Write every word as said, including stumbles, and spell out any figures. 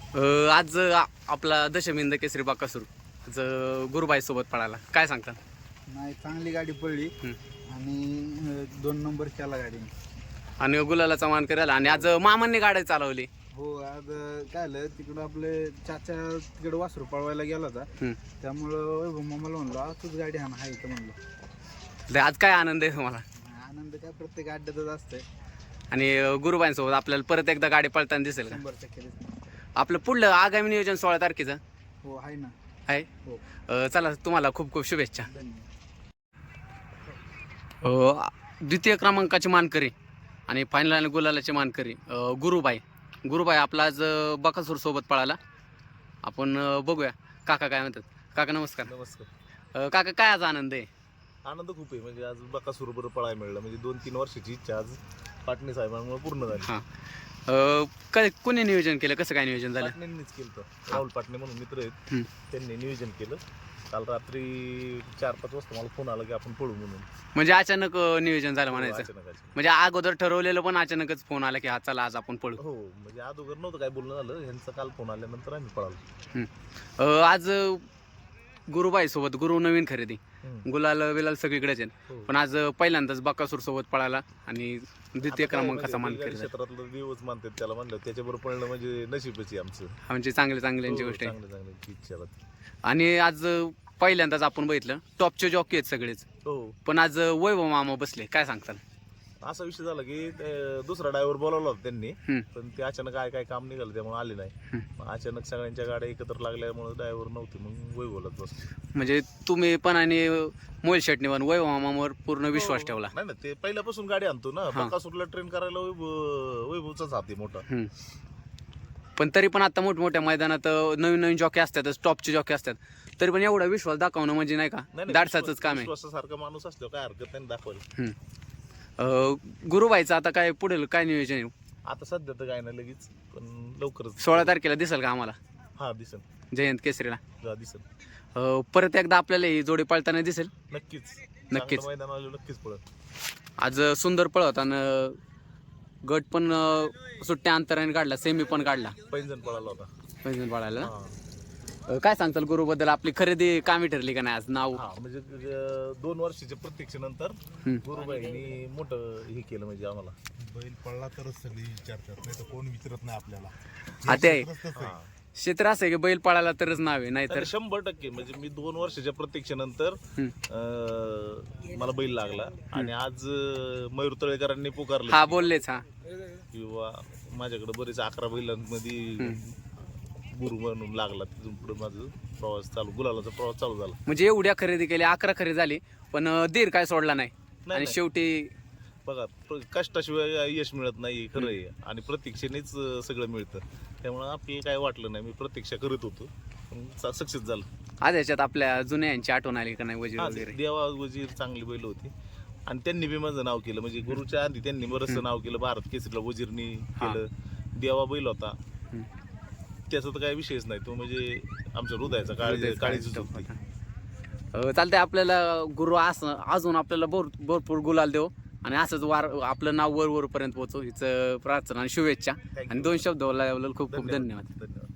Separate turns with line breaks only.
अ, आज आ- आपला दशमिंद केसरी बाकासूर आज गुरुबाई सोबत पळाला, काय सांगता?
नाही, चांगली गाडी पडली
हं.
आणि अ, दोन नंबर केला गाडीने.
आणि गुलालाचा मान करायला आणि आज मामांनी गाडी चालवली.
हो, आज अ, काय झालं, तिकडं आपले चाचा तिकडं वासरू पळवायला गेला होता.
हं.
त्यामुळं वैभव मामाला म्हणलो आज तूच गाडी हाण आहे तर म्हणलो.
तर आज काय आनंद आहे तुम्हाला?
आनंद काय प्रत्येक अड्ड्यातच असतंय.
आणि अ, गुरुबाईंसोबत आपल्याला परत एकदा गाडी पळताना दिसेल का?
शंभर टक्के दिसतं.
आपलं पुढलं आगामी नियोजन सोळा तारखेचं
हो, आहे ना.
आहे.
हो,
अ, चला, तुम्हाला खूप खूप शुभेच्छा.
धन्यवाद.
अ, द्वितीय क्रमांकाची मानकरी आणि फायनल आणि गुलालाची मानकरी अ, गुरुबाई गुरुबाई आपला आज अ, बकासूर सोबत पळाला. आपण अ, बघूया काका काय म्हणतात. काका नमस्कार.
नमस्कार.
अ, काका काय आज आनंद आहे?
आनंद खूप आहे. म्हणजे आज बकासूर बरोबर पळायला मिळालं. म्हणजे दोन तीन वर्षाची इच्छा आज पाटणे साहेबांमुळे पूर्ण झाली.
हां. अ, काय कोणी नियोजन केलं, कसं काय नियोजन झालं?
पाटणेंनीच केलं होतं. राहुल पाटणे म्हणून मित्र आहेत,
हं.
त्यांनी नियोजन केलं. काल रात्री चार पाच वाजता मला फोन आला की आपण पळू म्हणून.
म्हणजे अचानक अ, नियोजन झालं म्हणायचं.
अचानक अचानक.
म्हणजे अगोदर ठरवलेलं पण अचानकच फोन आला की हा चला आज आपण पळू.
हो, म्हणजे अगोदर नव्हतं काय बोलणं झालं. ह्यांचं काल फोन आल्यानंतर आम्ही पळालो.
अ, आज अ, गुरुबाई सोबत गुरु नवीन खरेदी
हं.
गुलाल बिलाल सगळीकडेच आहे.
हो.
पण आज अ, पहिल्यांदाच बकासूर सोबत पळाला आणि द्वितीय
आता काय
क्रमांकाचा मान
म्हणजे
केला.
क्षेत्रातलं देवच मानतात त्याला, म्हणलं त्याच्याबरोबर पळणं म्हणजे नशीबच आहे आमचं.
म्हणजे चांगले चांगल्यांची
हो,
गोष्ट आहे.
चांगलं चांगलं इच्छा होती.
आणि आज अ, पहिल्यांदाच आपण बघितलं टॉपचे जॉकी आहेत सगळेच,
हो,
पण आज अ, वैभव मामा बसले, काय सांगताल?
असा विषय झाला की ते दुसरा ड्रायव्हर बोलावला होता त्यांनी,
हं.
पण ते अचानक काय काय काम निघालं त्यामुळे आले नाही.
हं.
मग अचानक सगळ्यांच्या गाड्या एकत्र लागल्यामुळे ड्रायव्हर नव्हते, मग वैभवलाच बसलो.
म्हणजे तुम्ही पण आणि मोहिल शेटणीवर वैभव मामावर पूर्ण विश्वास ठेवला.
नाही ना, ते पहिल्यापासून गाडी आणतो ना.
हा.
बकासूरला ट्रेन करायला वैभव वैभवचाच हात आहे मोठा.
हं. पण तरी पण आता मोठमोठ्या मैदानात अ, नवीन नवीन जॉकी असतातच, टॉपचे जॉकी असतात, तरी पण एवढा विश्वास दाखवणं म्हणजे नाही का
नाही, नाही,
दाडसाचंच
विश्वास-
काम आहे.
विश्वासासारखा माणूस असल्यावर काय हरकत नाही दाखवायला.
हं. अ, गुरुबाईचं आता काय पुढेल काय नियोजन आहे?
आता सध्या तर काय नाही लगेच, पण लवकरच.
सोळा तारखेला दिसेल का आम्हाला
हा, दिसन.
जयंत केसरीला?
हा, दिसन.
अ, परत एकदा आपल्याला ही जोडी पळताना दिसेल.
नक्कीच.
नक्कीच.
चांगलं मैदान आलं नक्कीच पळत.
आज सुंदर पळत आणि गट पण अ, सुट्ट्या अंतराने काढला, सेमी पण काढला
पैंजण पळाला होता.
पैंजण पळायला ना?
हा.
अ, काय सांगताल गुरुबद्दल? आपली खरेदी कामी ठरली का नाही आज? नाव
हा, म्हणजे अं, दोन वर्षाच्या प्रतीक्षेनंतर
हं.
गुरुबाईंनी मोठं हे केलं म्हणजे आम्हाला.
बैल पडला तरच सगळी विचारतात, नाही तर कोण विचारत नाही आपल्याला.
हा, ते आहे.
क्षेत्रच तसं आहे.
हा.
क्षेत्र असं आहे की बैल पळाला तरच नाव आहे, नाहीतर
तर शंभर टक्के म्हणजे मी दोन वर्षाच्या प्रतीक्षेनंतर
हं.
अं, मला बैल लागला आणि आज अं, मयूर तळेकरांनी पुकारलं
हा
की-
बोललेच. हा
किंवा माझ्याकडे बरेच अकरा बैलांमध्ये
हं.
गुरु म्हणून लागला. तिथून पुढे माझं प्रवास चालू, गुलालाचा प्रवास चालू झाला.
म्हणजे एवढ्या खरेदी केल्या, अकरा खरेदी झाली, पण अ, दीर काय सोडला नाही.
नाही,
आणि
नाही.
शेवटी
बघा, प्र- कष्टाशिवाय यश मिळत नाही, खरं आहे. आणि प्रतीक्षेनेच अं, सगळं मिळतं. त्यामुळं आपल्याला काय वाटलं नाही, मी प्रतीक्षा करत होतो, सक्सेस झालं.
आज याच्यात आपल्या जुन्या यांची आठवण आली का नाही? वजीर
हा,
वगैरे
देवा वजीर चांगली बैल होती आणि त्यांनी बी माझं नाव केलं. म्हणजे गुरुच्या आधी त्यांनी बरंचसं नाव केलं. भारत केसरीला वजीरनी केलं. देवा बैल होता,
हं.
त्याचा तर काही विषयच नाही. तो म्हणजे आमच्या हृदयाचा काळी
हृदयाचा
काळीच
काळीच
होती.
अ, चालतंय. आपल्याला गुरु असं अजून आपल्याला भर भरपूर गुलाल देऊ आणि असंच वार आपलं नाव वर वरपर्यंत पोहोचू, हिचं प्रार्थना आणि शुभेच्छा. आणि दोन शब्द बोलायला खूप खूप धन्यवाद.
धन्यवाद.